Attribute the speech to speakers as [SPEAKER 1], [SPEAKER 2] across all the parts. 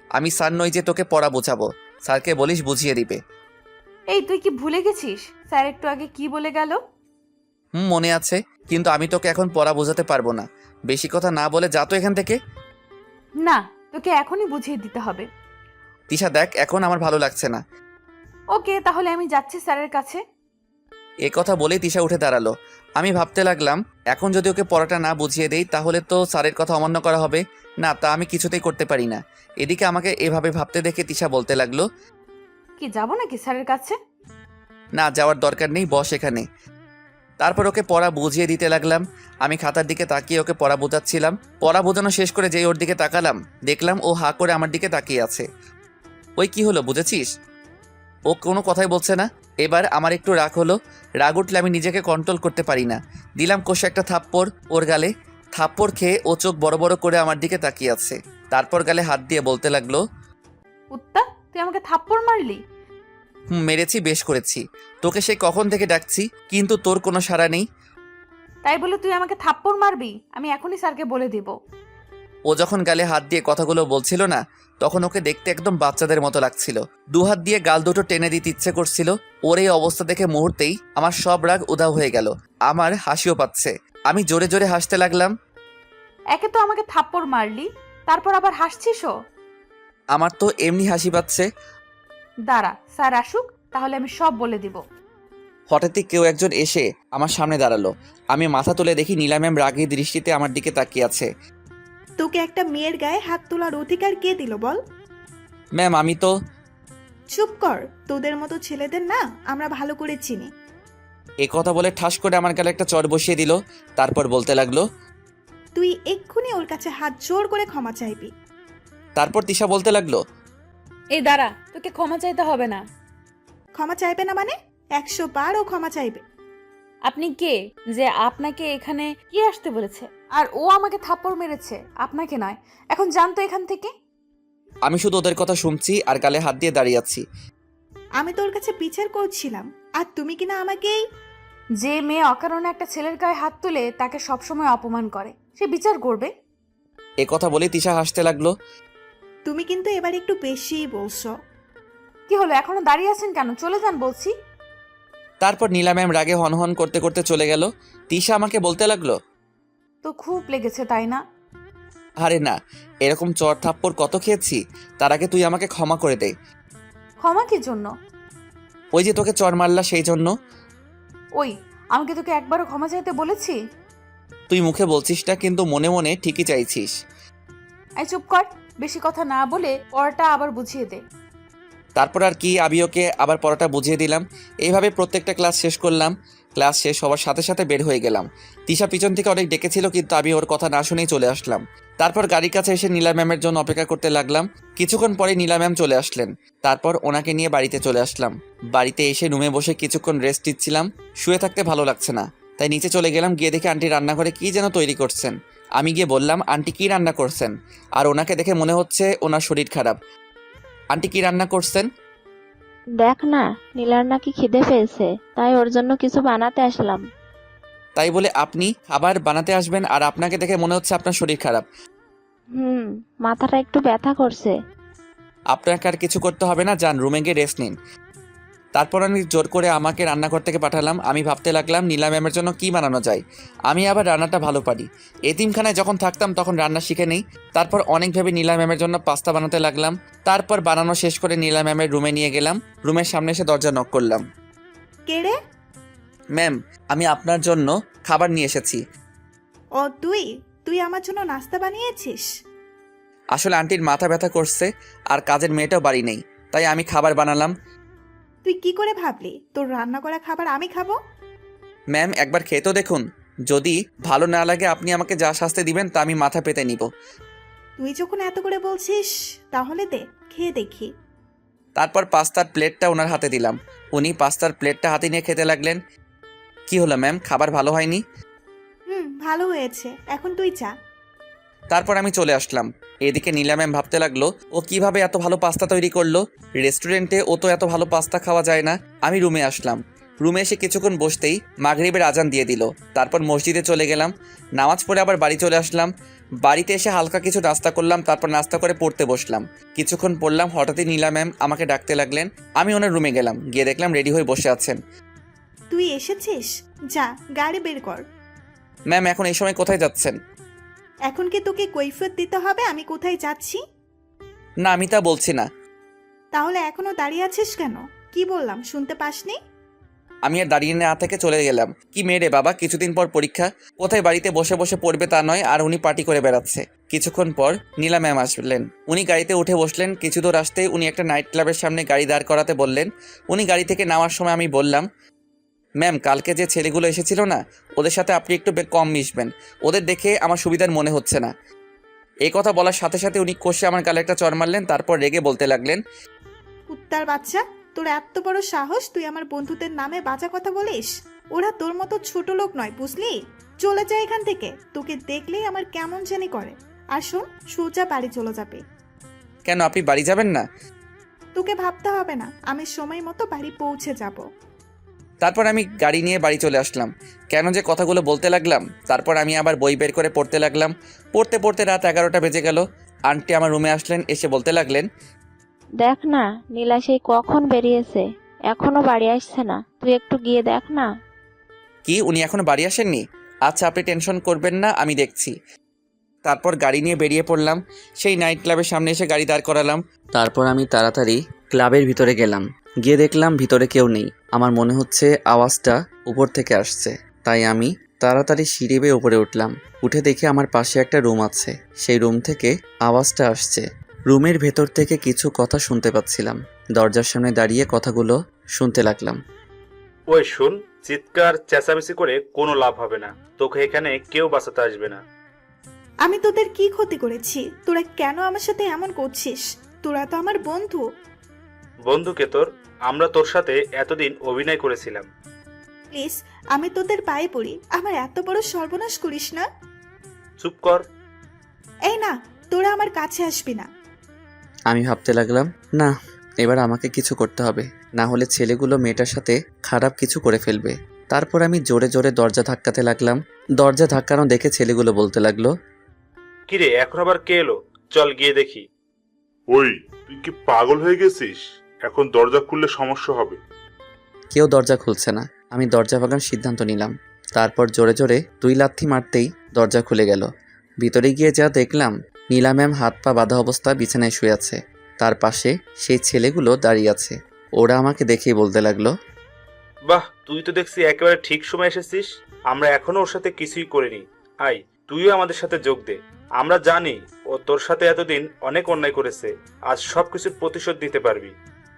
[SPEAKER 1] আমি স্যার নই যে তোকে পড়া বোঝাবো। স্যারকে বলিস বুঝিয়ে দিবে।
[SPEAKER 2] এই তুই কি ভুলে গেছিস স্যার একটু আগে কি বলে গেল?
[SPEAKER 1] মনে আছে, কিন্তু আমি তোকে এখন পড়া বোঝাতে পারবো না। বেশি কথা না বলে যা তো এখান থেকে।
[SPEAKER 2] না, তোকে এখনই বুঝিয়ে দিতে হবে।
[SPEAKER 1] তিশা দেখ, এখন আমার ভালো লাগছে না।
[SPEAKER 2] ওকে, তাহলে আমি যাচ্ছি স্যারের কাছে।
[SPEAKER 1] এ কথা বলেই তিশা উঠে দাঁড়ালো। আমি ভাবতে লাগলাম, এখন যদি ওকে পড়াটা না বুঝিয়ে দেই তাহলে তো স্যারের কথা অমান্য করা হবে। না, তা আমি কিছুতেই করতে পারি না। এদিকে আমাকে এভাবে ভাবতে দেখে তিশা বলতে লাগলো,
[SPEAKER 2] কি যাবো নাকি স্যারের কাছে?
[SPEAKER 1] না, যাওয়ার দরকার নেই, বস এখানে। তারপর ওকে পড়া বুঝিয়ে দিতে লাগলাম। আমি খাতার দিকে তাকিয়ে ওকে পড়া বোঝাচ্ছিলাম। পড়া বোঝানো শেষ করে যেই ওর দিকে তাকালাম, দেখলাম ও হা করে আমার দিকে তাকিয়ে আছে। ওই কি হলো বুঝেছিস? ও কোনো কথাই বলছে না। এবার আমার একটু রাগ হলো। রাগ উঠলে আমি নিজেকে কন্ট্রোল করতে পারি না। দিলাম কষে একটা থাপ্পড় ওর গালে। থাপ্পড় খেয়ে ও চোখ বড় বড় করে আমার দিকে তাকিয়ে আছে। তারপর গালে হাত দিয়ে বলতে লাগলো,
[SPEAKER 2] কুত্তা, তুই আমাকে থাপ্পড় মারলি?
[SPEAKER 1] মেরেছি, বেশ করেছি। তোকে সে কখন থেকে ডাকছি, কিন্তু তোর কোনো সাড়া নেই।
[SPEAKER 2] তাই বলে তুই আমাকে থাপ্পড় মারবি? আমি এখনই স্যারকে বলে দিব।
[SPEAKER 1] ও যখন গালে হাত দিয়ে কথাগুলো বলছিল না, তখন ওকে দেখতে একদম বাচ্চাদের মতো লাগছিল। দুহাত দিয়ে গাল দুটো টেনে দিতে ইচ্ছে করছিল। ওর এই অবস্থা দেখে মুহূর্তেই আমার সব রাগ উধাও হয়ে গেল। আমার হাসিও পাচ্ছে। আমি জোরে জোরে হাসতে লাগলাম।
[SPEAKER 2] একে তো আমাকে থাপ্পড় মারলি, তারপর আবার হাসছিসও।
[SPEAKER 1] আমার তো এমনি হাসি পাচ্ছে।
[SPEAKER 2] দাঁড়া, স্যার আসুক, তাহলে আমি সব বলে দিব।
[SPEAKER 1] হঠাৎই কেউ একজন এসে আমার সামনে দাঁড়ালো। আমি মাথা তুলে দেখি নীলা ম্যাম রাগী দৃষ্টিতে আমার দিকে তাকিয়ে আছে।
[SPEAKER 3] তোকে একটা মেয়ের গায়ে হাত তোলার অধিকার কে দিল বল?
[SPEAKER 1] ম্যাম, আমি তো।
[SPEAKER 3] চুপ কর, তোদের মতো ছেলেদের না আমরা ভালো করে চিনি।
[SPEAKER 1] এ কথা বলে ঠাস করে আমার গালে একটা চড় বসিয়ে দিল। তারপর বলতে লাগলো,
[SPEAKER 3] তুই এক্ষুনি ওর কাছে হাত জোর করে ক্ষমা চাইবি।
[SPEAKER 1] তারপর তিশা বলতে লাগলো,
[SPEAKER 2] এই দাঁড়া, তোকে ক্ষমা চাইতে হবে না।
[SPEAKER 3] ক্ষমা চাইবে না মানে? 100 বার ও ক্ষমা চাইবে।
[SPEAKER 2] আপনি কে যে আপনাকে এখানে কি আসতে বলেছে? আর ও আমাকে থাপ্পড় মেরেছে, আপনাকে নয়। এখন যান তো এখান থেকে।
[SPEAKER 1] আমি শুধু ওদের কথা শুনছি আর গালে হাত দিয়ে দাঁড়িয়ে আছি।
[SPEAKER 3] আমি তোর কাছে বিচার করছিলাম, আর তুমি কিনা আমাকেই।
[SPEAKER 2] যে মেয়ে অকারণে একটা ছেলের গায়ে হাত তুলে তাকে সবসময় অপমান করে, সে বিচার করবে।
[SPEAKER 1] এ কথা বলে তিশা হাসতে লাগলো।
[SPEAKER 3] তুমি কিন্তু এবার একটু বেশিই বলছো।
[SPEAKER 2] কি হলো, এখনো দাঁড়িয়ে আছেন কেন? চলে যান বলছি।
[SPEAKER 1] তারপর নীলা ম্যাম রাগে হনহন করতে করতে চলে গেল। তিশা আমাকে বলতে লাগলো,
[SPEAKER 2] তো খুব লেগেছে তাই না?
[SPEAKER 1] আরে না, এরকম চড় থাপ্পড় কত খেয়েছি। তার আগে তুই আমাকে ক্ষমা করে দে।
[SPEAKER 2] ক্ষমা কি জন্য?
[SPEAKER 1] ওই যে তোকে চড় মারলা সেই জন্য।
[SPEAKER 2] ওই, আমাকে তোকে একবারও ক্ষমা চাইতে বলেছি?
[SPEAKER 1] তুই মুখে বলছিস না, কিন্তু মনে মনে ঠিকই চাইছিস।
[SPEAKER 2] এই চুপ কর, বেশি কথা না বলে পড়াটা আবার বুঝিয়ে দে।
[SPEAKER 1] তারপর আর কি, আমি ওকে আবার পড়াটা বুঝিয়ে দিলাম। এইভাবে প্রত্যেকটা ক্লাস শেষ করলাম। ক্লাস শেষ হওয়ার সাথে সাথে বের হয়ে গেলাম। তিশা পিছন থেকে অনেক ডেকেছিল, কিন্তু আমি ওর কথা না শুনেই চলে আসলাম। তারপর গাড়ির কাছে এসে নীলা ম্যামের জন্য অপেক্ষা করতে লাগলাম। কিছুক্ষণ পরে নীলা ম্যাম চলে আসলেন। তারপর ওনাকে নিয়ে বাড়িতে চলে আসলাম। বাড়িতে এসে রুমে বসে কিছুক্ষণ রেস্ট নিচ্ছিলাম। শুয়ে থাকতে ভালো লাগছে না, তাই নিচে চলে গেলাম। গিয়ে দেখে আন্টি রান্নাঘরে কী যেন তৈরি করছেন। আমি গিয়ে বললাম, আন্টি কী রান্না করছেন? আর ওনাকে দেখে মনে হচ্ছে ওনার শরীর খারাপ। আন্টি কী রান্না করছেন?
[SPEAKER 4] দেখ না, নীলার নাকি খিদে পেয়েছে, তাই ওর জন্য কিছু বানাতে আসলাম।
[SPEAKER 1] তাই বলে আপনি খাবার বানাতে আসবেন আর আপনাকে দেখে মনে হচ্ছে আপনার শরীর খারাপ?
[SPEAKER 4] মাথাটা একটু ব্যথা করছে।
[SPEAKER 1] আপনাকে আর কিছু করতে হবে না, যান রুমে গিয়ে রেস্ট নিন। তারপর আমি জোর করে আমাকে রান্নাঘর থেকে পাঠালাম। আমি ভাবতে লাগলাম নীলা ম্যামের জন্য কী বানানো যায়। আমি আবার রান্নাটা ভালো পারি। এতিমখানায় যখন থাকতাম তখন রান্না শিখে নেই। তারপর অনেক ভেবে নীলা ম্যামের জন্য পাস্তা বানাতে লাগলাম। তারপর বানানো শেষ করে নীলা ম্যামের রুমে নিয়ে গেলাম। রুমের সামনে এসে দরজা নক করলাম।
[SPEAKER 3] কে রে?
[SPEAKER 1] ম্যাম, আমি আপনার জন্য খাবার নিয়ে এসেছি।
[SPEAKER 3] ও তুই তুই আমার জন্য নাস্তা বানিয়েছিস?
[SPEAKER 1] আসলে আন্টির মাথা ব্যথা করছে আর কাজের মেয়েটাও বাড়ি নেই, তাই আমি খাবার বানালাম।
[SPEAKER 3] তুই কি করে ভাবলি তোর রান্না করা খাবার আমি খাবো?
[SPEAKER 1] ম্যাম, একবার খেয়ে তো দেখুন। যদি ভালো না লাগে আপনি আমাকে যা শাস্তি দিবেন তা আমি মাথা পেতে নিব।
[SPEAKER 3] তুই যখন এত করে বলছিস তাহলে দে, খেয়ে দেখি।
[SPEAKER 1] তারপর পাস্তার প্লেটটা ওনার হাতে দিলাম। উনি পাস্তার প্লেটটা হাতে নিয়ে খেতে লাগলেন। কি হলো ম্যাম, খাবার ভালো হয়নি?
[SPEAKER 3] ভালো হয়েছে, এখন তুই যা।
[SPEAKER 1] তারপর আমি চলে আসলাম। এদিকে নীলা ম্যাম ভাবতে লাগলো, ও কিভাবে এত ভালো পাস্তা তৈরি করলো। রেস্টুরেন্টে ও তো এত ভালো পাস্তা খাওয়া যায় না। আমি রুমে আসলাম। রুমে এসে কিছুক্ষণ বসতেই মাগরিবের আজান দিয়ে দিল। তারপর মসজিদে চলে গেলাম, নামাজ পড়ে আবার বাড়ি চলে আসলাম। বাড়িতে এসে হালকা কিছু নাস্তা করলাম, তারপর নাস্তা করে পড়তে বসলাম। কিছুক্ষণ পড়লাম, হঠাৎই নীলা ম্যাম আমাকে ডাকতে লাগলেন। আমি ওনার রুমে গেলাম, গিয়ে দেখলাম রেডি হয়ে বসে আছেন।
[SPEAKER 3] তুই এসেছিস? যা গাড়ি বের কর।
[SPEAKER 1] ম্যাম এখন এই সময় কোথায় যাচ্ছেন?
[SPEAKER 3] এখন কি তোকে কৈফিয়ত দিতে হবে আমি কোথায় যাচ্ছি?
[SPEAKER 1] না, আমি তা বলছি না।
[SPEAKER 3] তাহলে এখনো দাঁড়িয়ে আছিস কেন? কি বললাম শুনতে পাসনি?
[SPEAKER 1] আমি আর দাঁড়িয়ে না থেকে চলে গেলাম। কি মেয়ে রে বাবা, কিছুদিন পর পরীক্ষা, কোথায় বাড়িতে বসে বসে পড়বে তা নয়, আর উনি পার্টি করে বেড়াচ্ছে। কিছুক্ষণ পর নীলা ম্যাম আসলেন। উনি গাড়িতে উঠে বসলেন। কিছু দূর আসতেই উনি একটা নাইট ক্লাবের সামনে গাড়ি দাঁড় করাতে বললেন। উনি গাড়ি থেকে নামার সময় আমি বললাম, ম্যাম কালকে যে ছেলেগুলো এসেছিল না, ওদের সাথে আপনি একটু কম মিশবেন, ওদের দেখে আমার সুবিধার মনে হচ্ছে না। এই কথা বলার সাথে সাথে উনি কষে আমার গালে একটা চড় মারলেন, তারপর রেগে বলতে লাগলেন,
[SPEAKER 3] কুত্তার বাচ্চা, তোর এত বড় সাহস তুই আমার বন্ধুদের নামে বাজে কথা বলিস? ওরা তোর মতো ছোট লোক নয়, বুঝলি? চলে যা এখান থেকে, তোকে দেখলেই আমার কেমন জানি করে। আর শোন, সোজা বাড়ি চলে যাবে।
[SPEAKER 1] কেন আপনি বাড়ি যাবেন না?
[SPEAKER 3] তোকে ভাবতে হবে না, আমি সময় মতো বাড়ি পৌঁছে যাব।
[SPEAKER 1] তারপর আমি গাড়ি নিয়ে বাড়ি চলে আসলাম। কেন যে কথাগুলো বলতে লাগলাম। তারপর আমি আবার বই বের করে পড়তে লাগলাম। পড়তে পড়তে রাত 11টা বেজে গেল। আন্টি আমার রুমে আসলেন, এসে বলতে লাগলেন,
[SPEAKER 4] দেখ না, নীলা সেই কখন বেরিয়েছে, এখনো বাড়ি আসছে না। তুই একটু গিয়ে দেখ না।
[SPEAKER 1] কি উনি এখনো বাড়ি আসেননি? আচ্ছা আপনি টেনশন করবেন না, আমি দেখছি। তারপর গাড়ি নিয়ে বেরিয়ে পড়লাম। সেই নাইট ক্লাবের সামনে এসে গাড়ি দাঁড় করালাম। তারপর আমি তাড়াতাড়ি ক্লাবের ভিতরে গেলাম। গিয়ে দেখলাম ভিতরে কেউ নেই। আমার মনে হচ্ছে আওয়াজটা উপর থেকে আসছে, তাই আমি তাড়াতাড়ি সিঁড়ি বেয়ে উপরে উঠলাম। উঠে দেখি আমার পাশে একটা রুম আছে, সেই রুম থেকে আওয়াজটা আসছে। রুমের ভেতর থেকে কিছু কথা শুনতে পাচ্ছিলাম। দরজার সামনে দাঁড়িয়ে কথাগুলো শুনতে লাগলাম।
[SPEAKER 5] ওই শুন, চিৎকার চেঁচামেচি করে কোনো লাভ হবে না, তোকে এখানে কেউ বাঁচাতে আসবে না।
[SPEAKER 3] আমি তোদের কি ক্ষতি করেছি? তোরা কেন আমার সাথে এমন করছিস? তোরা তো আমার বন্ধু।
[SPEAKER 5] বন্ধুকে তোর, আমরা তোর সাথে এতদিন অভিনয় করেছিলাম।
[SPEAKER 3] প্লিজ, আমি তোদের পায়ে পড়ি, আমার এত বড় সর্বনাশ করিস না।
[SPEAKER 5] চুপ কর।
[SPEAKER 3] এই না, তোরা আমার কাছে আসবি না।
[SPEAKER 1] আমি ভাবতে লাগলাম, না এবার আমাকে কিছু করতে হবে, না হলে ছেলেগুলো মেয়েটার সাথে খারাপ কিছু করে ফেলবে। তারপর আমি জোরে জোরে দরজা ধাক্কাতে লাগলাম। দরজা ধাক্কানো দেখে ছেলেগুলো বলতে লাগলো,
[SPEAKER 5] কিরে এখন আবার কে এলো? চল গিয়ে দেখি।
[SPEAKER 6] ওই, তুই কি পাগল হয়ে গেছিস? এখন দরজা খুললে সমস্যা হবে।
[SPEAKER 1] কেউ দরজা খুলছে না। আমি দরজা ভাঙার সিদ্ধান্ত নিলাম। তারপর জোরে জোরে 2 লাথি মারতেই দরজা খুলে গেল। ভিতরে গিয়ে যা দেখলাম, নীলা ম্যাম হাত পা বাঁধা অবস্থা বিছানায় শুয়ে আছে। তার পাশে সেই ছেলেগুলো দাঁড়িয়ে আছে। ওরা আমাকে দেখেই বলতে লাগলো,
[SPEAKER 5] বাহ, তুই তো দেখছি একেবারে ঠিক সময় এসেছিস। আমরা এখনো ওর সাথে কিছুই করিনি। আয়, তুইও আমাদের সাথে যোগ দে। আমরা জানি ও তোর সাথে এতদিন অনেক অন্যায় করেছে, আজ সবকিছুর প্রতিশোধ দিতে পারবি।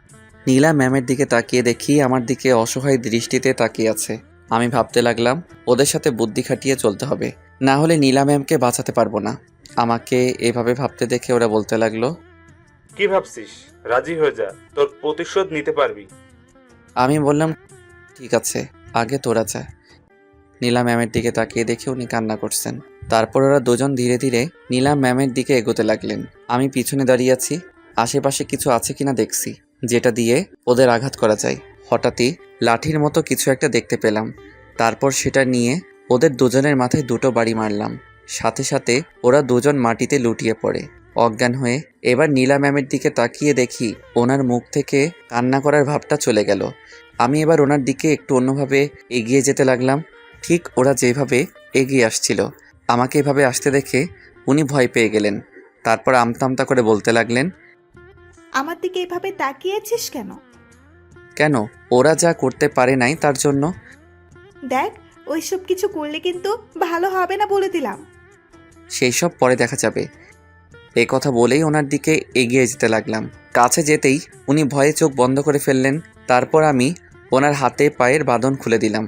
[SPEAKER 1] নীলা ম্যামের দিকে তাকিয়ে দেখি আমার দিকে অসহায় দৃষ্টিতে তাকিয়ে আছে। আমি ভাবতে লাগলাম ওদের সাথে বুদ্ধি খাটিয়ে চলতে হবে, না হলে নীলা ম্যামকে বাঁচাতে পারবো না। আমাকে এভাবে ভাবতে দেখে ওরা বলতে লাগলো,
[SPEAKER 5] কি ভাবছিস? রাজি হয়ে যা, তোর প্রতিশোধ নিতে পারবি।
[SPEAKER 1] আমি বললাম ঠিক আছে, আগে তোরা যা। নীলা ম্যামের দিকে তাকিয়ে দেখে উনি কান্না করছেন। তারপর ওরা দুজন ধীরে ধীরে নীলা ম্যামের দিকে এগোতে লাগলেন। আমি পিছনে দাঁড়িয়ে আছি, আশেপাশে কিছু আছে কিনা দেখছি, যেটা দিয়ে ওদের আঘাত করা যায়। হঠাৎই লাঠির মতো কিছু একটা দেখতে পেলাম। তারপর সেটা নিয়ে ওদের দুজনের মাথায় 2টো বাড়ি মারলাম। সাথে সাথে ওরা দুজন মাটিতে লুটিয়ে পড়ে অজ্ঞান হয়ে। এবার নীলা ম্যামের দিকে তাকিয়ে দেখি ওনার মুখ থেকে কান্না করার ভাবটা চলে গেল। আমি এবার ওনার দিকে একটু অন্যভাবে এগিয়ে যেতে লাগলাম। ঠিক ওরা যেভাবে এগিয়ে আসছিল, আমাকে এভাবে আসতে দেখে উনি ভয় পেয়ে গেলেন। তারপর আমতা আমতা করে বলতে লাগলেন,
[SPEAKER 3] আমার দিকে এভাবে তাকিয়েছিস কেন?
[SPEAKER 1] কেন? ওরা যা করতে পারে নাই তার জন্য।
[SPEAKER 3] দেখ, ওইসব কিছু করলে কিন্তু ভালো হবে না বলে দিলাম।
[SPEAKER 1] সেই সব পরে দেখা যাবে। এই কথা বলেই ওনার দিকে এগিয়ে যেতে লাগলাম। কাছে যেতেই উনি ভয়ে চোখ বন্ধ করে ফেললেন। তারপর আমি ওনার হাতে পায়ের বাঁধন খুলে দিলাম।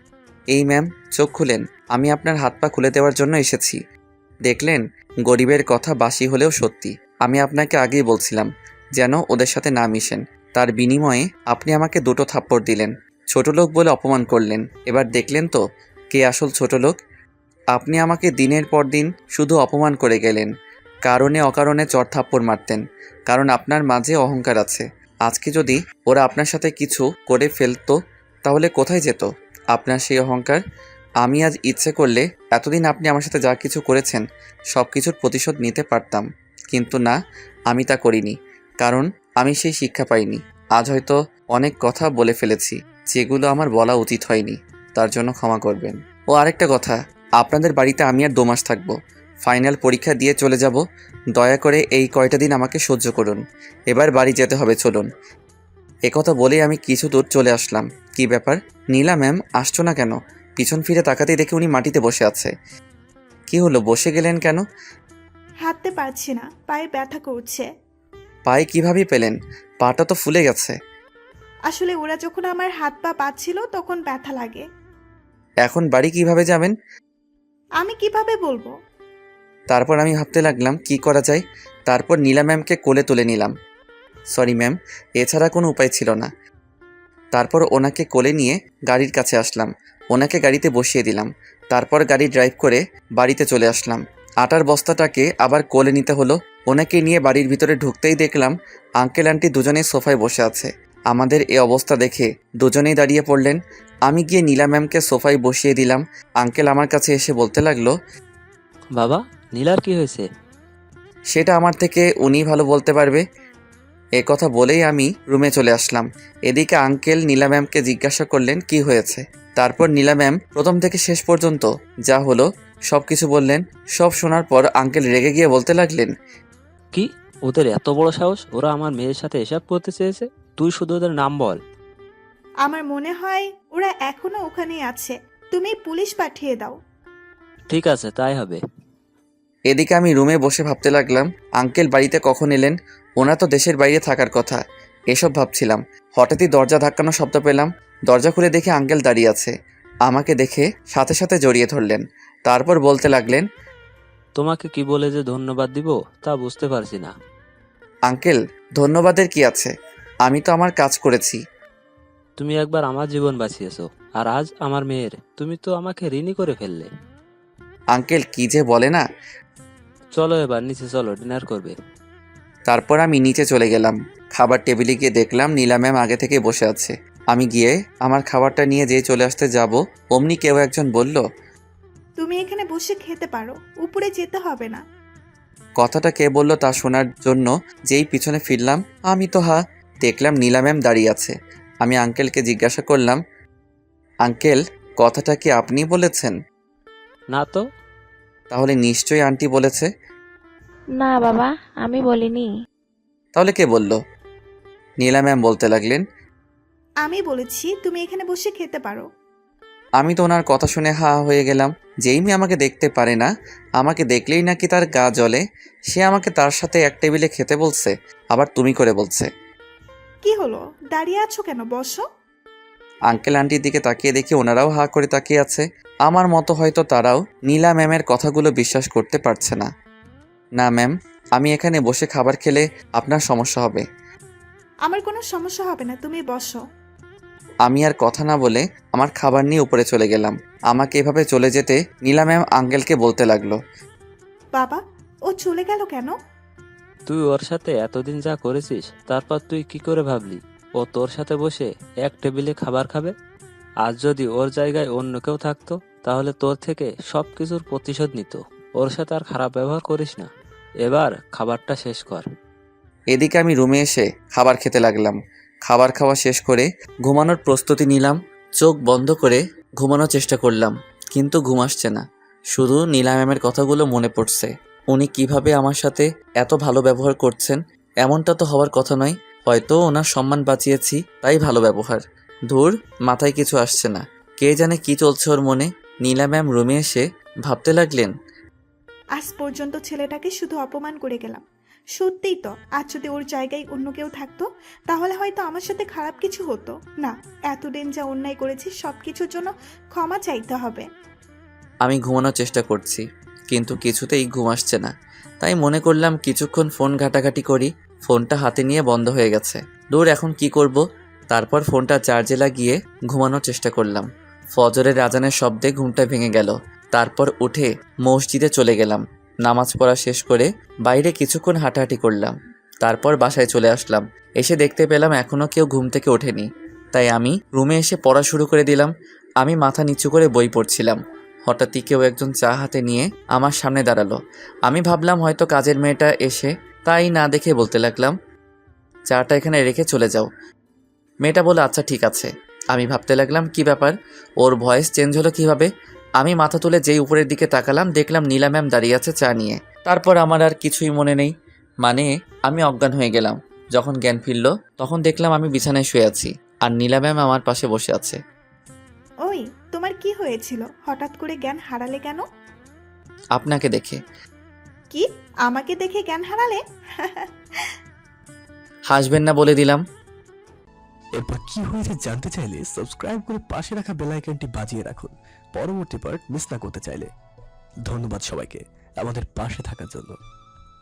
[SPEAKER 1] এই ম্যাম, চোখ খুলেন, আমি আপনার হাত পা খুলে দেওয়ার জন্য এসেছি। দেখলেন, গরিবের কথা বাসি হলেও সত্যি। আমি আপনাকে আগেই বলছিলাম যেন ওদের সাথে না মিশেন। তার বিনিময়ে আপনি আমাকে 2টো থাপ্পড় দিলেন, ছোট লোক বলে অপমান করলেন। এবার দেখলেন তো কে আসল ছোট লোক। আপনি আমাকে দিনের পর দিন শুধু অপমান করে গেলেন, কারণে অকারণে চড় থাপ্পড় মারতেন, কারণ আপনার মাঝে অহংকার আছে। আজকে যদি ওরা আপনার সাথে কিছু করে ফেলতো তাহলে কোথায় যেত আপনার সেই অহংকার? আমি আজ ইচ্ছে করলে এতদিন আপনি আমার সাথে যা কিছু করেছেন সব কিছুর প্রতিশোধ নিতে পারতাম, কিন্তু না, আমি তা করিনি, কারণ আমি সেই শিক্ষা পাইনি। আজ হয়তো অনেক কথা বলে ফেলেছি যেগুলো আমার বলা উচিত হয়নি, তার জন্য ক্ষমা করবেন। ও আরেকটা কথা, আপনাদের বাড়িতে আমি আর 2 মাস থাকবো, ফাইনাল পরীক্ষা দিয়ে চলে যাব। দয়া করে এই কয়টা দিন আমাকে সহ্য করুন, এবার বাড়ি যেতে হবে, চলুন। একথা বলেই আমি কিছু দূর চলে আসলাম। কি ব্যাপার, নীলা ম্যাম আসছো না কেন? পিছন ফিরে তাকাতেই দেখে উনি মাটিতে বসে আছে। কি হলো, বসে গেলেন কেন?
[SPEAKER 3] হাঁটতে পারছি না, পায়ে ব্যথা করছে।
[SPEAKER 1] পায়ে কিভাবে পেলেন? পাটা তো ফুলে গেছে।
[SPEAKER 3] আসলে ওরা যখন আমার হাত পা পাচ্ছিল তখন ব্যথা লাগে।
[SPEAKER 1] এখন বাড়ি কিভাবে যাবেন?
[SPEAKER 3] আমি কিভাবে বলবো?
[SPEAKER 1] তারপর আমি ভাবতে লাগলাম কি করা যায়। তারপর নীলা ম্যামকে কোলে তুলে নিলাম। সরি ম্যাম, এছাড়া কোনো উপায় ছিল না। তারপর ওনাকে কোলে নিয়ে গাড়ির কাছে আসলাম, ওনাকে গাড়িতে বসিয়ে দিলাম। তারপর গাড়ি ড্রাইভ করে বাড়িতে চলে আসলাম। আটার বস্তাটাকে আবার কোলে নিতে হলো। ওনাকে নিয়ে বাড়ির ভিতরে ঢুকতেই দেখলাম আঙ্কেল আন্টি দুজনেই সোফায় বসে আছে। আমাদের এই অবস্থা দেখে দুজনেই দাঁড়িয়ে পড়লেন। আমি গিয়ে নীলা ম্যামকে সোফায় বসিয়ে দিলাম। আঙ্কেল আমার কাছে এসে বলতে লাগলো,
[SPEAKER 7] বাবা, নীলার কি হয়েছে?
[SPEAKER 1] সেটা আমার থেকে উনিই ভালো বলতে পারবে। এ কথা বলেই আমি রুমে চলে আসলাম। এদিকে আঙ্কেল নীলা ম্যামকে জিজ্ঞাসা করলেন কি হয়েছে। তারপর নীলা ম্যাম প্রথম থেকে শেষ পর্যন্ত যা হলো সব কিছু বললেন। সব শোনার পর আঙ্কেল রেগে গিয়ে বলতে লাগলেন,
[SPEAKER 7] কি, ওদের এত বড় সাহস? ওরা আমার মেয়ের সাথে এসব করতে চেয়েছে? তুই শুধু ওদের নাম বল।
[SPEAKER 3] আমার মনে হয় ওরা এখনো ওখানেই আছে, তুমি পুলিশ পাঠিয়ে দাও।
[SPEAKER 7] ঠিক আছে, তাই হবে।
[SPEAKER 1] এদিকে আমি রুমে বসে ভাবতে লাগলাম আঙ্কেল বাড়িতে কখন এলেন, ওনার তো দেশের বাইরে থাকার কথা। এসব ভাবছিলাম, হঠাৎই দরজা ধাক্কানোর শব্দ পেলাম। দরজা খুলে দেখে আঙ্কেল দাঁড়িয়ে আছে। আমাকে দেখে সাথে সাথে জড়িয়ে ধরলেন। তারপর বলতে লাগলেন,
[SPEAKER 7] তোমাকে কি বলে যে ধন্যবাদ দিব তা বুঝতে পারছি না।
[SPEAKER 1] আঙ্কেল ধন্যবাদের কি আছে, আমি তো আমার কাজ করেছি।
[SPEAKER 7] তুমি একবার আমার জীবন বাঁচিয়েছো, আর আজ আমার মেয়ের তুমি তো আমাকে ঋণী করে ফেললে।
[SPEAKER 1] আঙ্কেল কি যে বলে না।
[SPEAKER 7] চলো এবার নিচে চলো, ডিনার করবে।
[SPEAKER 1] তারপর আমি নিচে চলে গেলাম। খাবার টেবিলে গিয়ে দেখলাম নীলা ম্যাম আগে থেকে বসে আছে। আমি গিয়ে আমার খাবারটা নিয়ে যেয়ে চলে আসতে যাব, অমনি কেউ একজন বলল,
[SPEAKER 3] তুমি এখানে বসে খেতে পারো, উপরে যেতে হবে না।
[SPEAKER 1] কথাটা কে বলল তা শোনার জন্য যেই পিছনে ফিরলাম, আমি তো দেখলাম নীলা ম্যাম দাঁড়িয়ে আছে। আমি আঙ্কেলকে জিজ্ঞাসা করলাম, আঙ্কেল কথাটা কি আপনি বলেছেন?
[SPEAKER 7] না তো।
[SPEAKER 1] তাহলে নিশ্চয়ই আন্টি বলেছে।
[SPEAKER 4] না বাবা, আমি বলিনি।
[SPEAKER 1] তাহলে কে বলল? নীলা ম্যাম বলতে লাগলেন,
[SPEAKER 3] আমি বলেছি তুমি এখানে বসে খেতে পারো।
[SPEAKER 1] আমি তো ওনার কথা শুনে হা হয়ে গেলাম। যেই মেয়ে আমাকে দেখতে পারে না, আমাকে দেখলেই নাকি তার গা জ্বলে, সে আমাকে তার সাথে এক টেবিলে খেতে বলছে, আবার তুমি করে বলছে।
[SPEAKER 3] কি হলো, দাঁড়িয়ে আছো কেন, বসো।
[SPEAKER 1] আঙ্কেল আন্টির দিকে তাকিয়ে দেখি ওনারাও হা করে তাকিয়ে আছে। আমার মতো হয়তো তারাও নীলা ম্যামের কথাগুলো বিশ্বাস করতে পারছে না। না ম্যাম, আমি এখানে বসে খাবার খেলে আপনার সমস্যা হবে।
[SPEAKER 3] আমার কোনো সমস্যা হবে না, তুমি বসো।
[SPEAKER 1] আমি আর কথা না বলে আমার খাবার নিয়ে উপরে চলে গেলাম। আমাকে এভাবে চলে যেতে নীলা ম্যাম আঙ্কেলকে বলতে লাগলো,
[SPEAKER 3] বাবা, ও চলে গেল কেন?
[SPEAKER 7] তুই ওর সাথে এতদিন যা করেছিস, তারপর তুই কি করে ভাবলি ও তোর সাথে বসে এক টেবিলে খাবার খাবে? আজ যদি ওর জায়গায় অন্য কেউ থাকতো, তাহলে তোর থেকে সব কিছুর প্রতিশোধ নিত। ওর সাথে আর খারাপ ব্যবহার করিস না। এবার খাবারটা শেষ কর।
[SPEAKER 1] এদিকে আমি রুমে এসে খাবার খেতে লাগলাম। খাবার খাওয়া শেষ করে ঘুমানোর প্রস্তুতি নিলাম। চোখ বন্ধ করে ঘুমানোর চেষ্টা করলাম, কিন্তু ঘুম আসছে না। শুধু নীলা ম্যামের কথাগুলো মনে পড়ছে। উনি কিভাবে আমার সাথে এত ভালো ব্যবহার করছেন, এমনটা তো হওয়ার কথা নয়। হয়তো ওনার সম্মান বাঁচিয়েছি, তাই ভালো ব্যবহার। ধুর, মাথায় কিছু আসছে না। কে জানে কি চলছে ওর মনে। নীলা ম্যাম রুমে এসে ভাবতে লাগলেন,
[SPEAKER 3] আজ পর্যন্ত ছেলেটাকে শুধু অপমান করে গেলাম। সত্যিই তো, আজ যদি ওর জায়গায় অন্য কেউ থাকতো তাহলে হয়তো আমার সাথে খারাপ কিছু হতো না। এতদিন যা অন্যায় করেছি সব কিছুর জন্য ক্ষমা চাইতে হবে।
[SPEAKER 1] আমি ঘুমানোর চেষ্টা করছি, কিন্তু কিছুতেই ঘুম আসছে না। তাই মনে করলাম কিছুক্ষণ ফোন ঘাটাঘাটি করি। ফোনটা হাতে নিয়ে বন্ধ হয়ে গেছে। দূর, এখন কি করব? তারপর ফোনটা চার্জে লাগিয়ে ঘুমানোর চেষ্টা করলাম। ফজরের আজানের শব্দে ঘুমটা ভেঙে গেল। তারপর উঠে মসজিদে চলে গেলাম। নামাজ পড়া শেষ করে বাইরে কিছুক্ষণ হাঁটাহাঁটি করলাম। তারপর বাসায় চলে আসলাম। এসে দেখতে পেলাম এখনও কেউ ঘুম থেকে ওঠেনি। তাই আমি রুমে এসে পড়া শুরু করে দিলাম। আমি মাথা নিচু করে বই পড়ছিলাম। হঠাৎই কেউ একজন চা হাতে নিয়ে আমার সামনে দাঁড়ালো। আমি ভাবলাম হয়তো কাজের মেয়েটা এসে, তাই না দেখে বলতে লাগলাম, চাটা এখানে রেখে চলে যাও। মেয়েটা বলে আচ্ছা ঠিক আছে। আমি ভাবতে লাগলাম কি ব্যাপার, ওর ভয়েস চেঞ্জ হলো কিভাবে। আমি মাথা তুলে যেই উপরের দিকে তাকালাম, দেখলাম নীলা ম্যাম দাঁড়িয়ে আছে চা নিয়ে। তারপর আমার আর কিছুই মনে নেই, মানে আমি অজ্ঞান হয়ে গেলাম। যখন জ্ঞান ফিরল তখন দেখলাম আমি বিছানায় শুয়ে আছি আর নীলা ম্যাম আমার পাশে বসে আছে।
[SPEAKER 3] ওই, তোমার কি হয়েছিল? হঠাৎ করে জ্ঞান হারালে কেন?
[SPEAKER 1] আপনাকে দেখে।
[SPEAKER 3] কি, আমাকে দেখে জ্ঞান হারালে?
[SPEAKER 1] হাসবেন না বলে দিলাম।
[SPEAKER 8] এরপর কি হয়েছে জানতে চাইলে সাবস্ক্রাইব করে পাশে রাখা বেল আইকনটি বাজিয়ে রাখুন পরবর্তী পার্ট মিস না করতে চাইলে। ধন্যবাদ সবাইকে আমাদের পাশে থাকার জন্য।